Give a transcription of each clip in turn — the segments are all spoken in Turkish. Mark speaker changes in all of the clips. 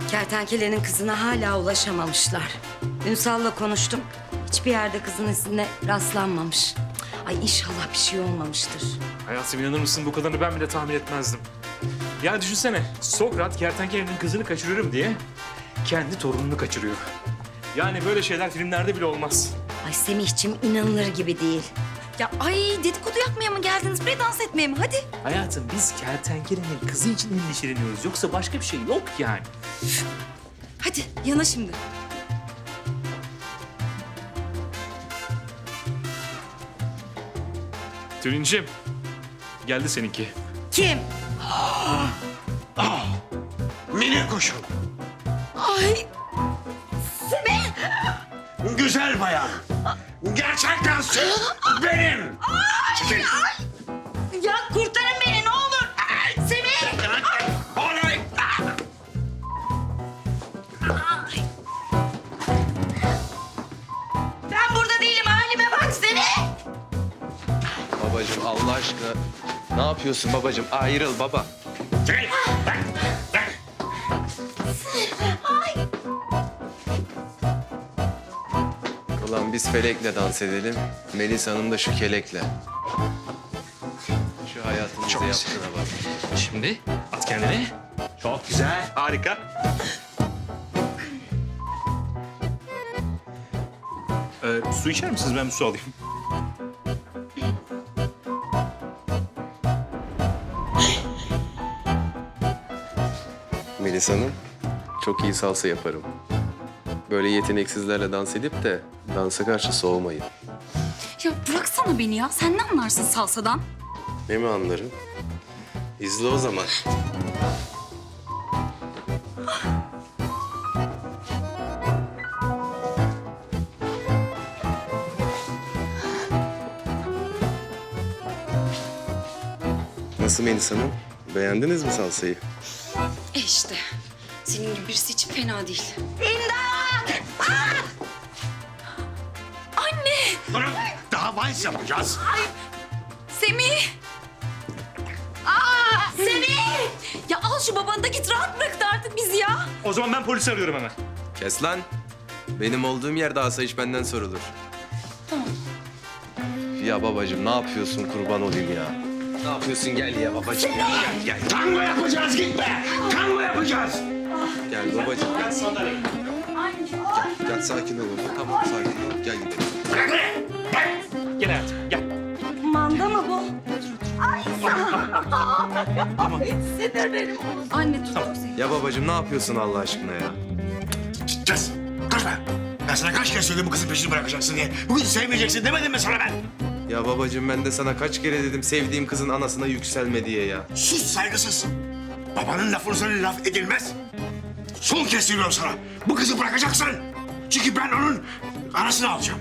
Speaker 1: Kertenkelenin kızına hala ulaşamamışlar. Ünsal'la konuştum. Hiçbir yerde kızın izine rastlanmamış. Ay inşallah bir şey olmamıştır.
Speaker 2: Hayatım inanır mısın bu kadarını ben bile tahmin etmezdim. Yani düşünsene Sokrat kertenkelenin kızını kaçırıyorum diye kendi torununu kaçırıyor. Yani böyle şeyler filmlerde bile olmaz.
Speaker 1: Ay Semihciğim inanılır gibi değil.
Speaker 3: Ya ay dedikodu yapmaya mı geldiniz? Buraya dans etmeye mi? Hadi.
Speaker 2: Hayatım biz kertenkelenin kızı için endişeleniyoruz. Yoksa başka bir şey yok yani.
Speaker 3: Hadi yana şimdi.
Speaker 2: Tülincim geldi seninki.
Speaker 1: Kim?
Speaker 4: Minik kuşum.
Speaker 3: Ay
Speaker 4: Güzel bayan. Gerçekten benim. Çekil.
Speaker 3: ya kurtarın beni ne olur. Semih.
Speaker 4: Olay.
Speaker 3: Ben burada değilim halime bak Semih.
Speaker 5: Babacığım Allah aşkına ne yapıyorsun babacığım? Ayrıl baba.
Speaker 4: Çekil. Bak, bak.
Speaker 5: Ulan biz Felek'le dans edelim. Melis Hanım da şu kelekle. Şu hayatımızda
Speaker 2: Çok güzel.
Speaker 5: yaptığına bak.
Speaker 2: Şimdi at kendini. Çok güzel. Harika. Su içer misiniz? Ben bir su alayım.
Speaker 5: Melis Hanım çok iyi salsa yaparım. Böyle yeteneksizlerle dans edip de dansa karşı soğumayın.
Speaker 3: Ya bıraksana beni ya. Sen ne anlarsın salsadan?
Speaker 5: Ne mi anlarım? İzle o zaman. Nasıl Melis Hanım? Beğendiniz mi salsayı?
Speaker 3: İşte. Senin gibi birisi için fena değil. Anne!
Speaker 4: Durun. Daha vals yapacağız.
Speaker 3: Semih! Semih! Ya al şu babanı da git rahat bırak da artık bizi ya.
Speaker 2: O zaman ben polisi arıyorum hemen.
Speaker 5: Kes lan. Benim olduğum yerde asayiş benden sorulur. Ya babacığım ne yapıyorsun kurban olayım ya. Ne yapıyorsun gel ya babacığım ya.
Speaker 4: Gel. Tango yapacağız gitme. Tango yapacağız.
Speaker 5: Gel babacığım gel. Gel sakin ol oğlum. Tamam sakin ol. Gel gidelim.
Speaker 4: Bırak beni. Bırak.
Speaker 2: Gel hayatım gel.
Speaker 1: Manda mı bu?
Speaker 3: Anne dur seni.
Speaker 5: Ya babacığım ne yapıyorsun Allah aşkına ya?
Speaker 4: Kes. Kaçma. Ben sana kaç kere söyledim bu kızın peşini bırakacaksın diye. Bugün sevmeyeceksin demedim mi sana ben?
Speaker 5: Ya babacığım ben de sana kaç kere dedim sevdiğim kızın anasına yükselme diye ya.
Speaker 4: Sus saygısız. Babanın lafını sana laf edilmez. Son kez söylüyorum sana. Bu kızı bırakacaksın. Çünkü ben onun anasını alacağım.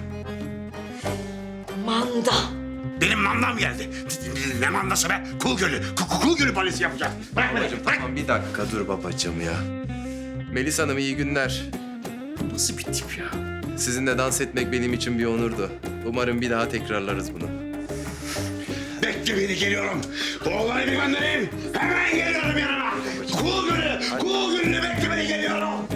Speaker 1: Manda.
Speaker 4: Benim mandam geldi. Ne mandası be? Kul Gölü. Kul Gölü balesi yapacağım. Bırak beni.
Speaker 5: Babacığım
Speaker 4: Bırak.
Speaker 5: tamam bir dakika dur babacığım ya. Melis Hanım iyi günler.
Speaker 2: Nasıl bir tip ya?
Speaker 5: Sizinle dans etmek benim için bir onurdu. Umarım bir daha tekrarlarız bunu.
Speaker 4: Bekle beni geliyorum. Oğlanı bir göndereyim. Hemen geliyorum yanına. Kul Gölü. Kul Gölü'nü bekle beni geliyorum.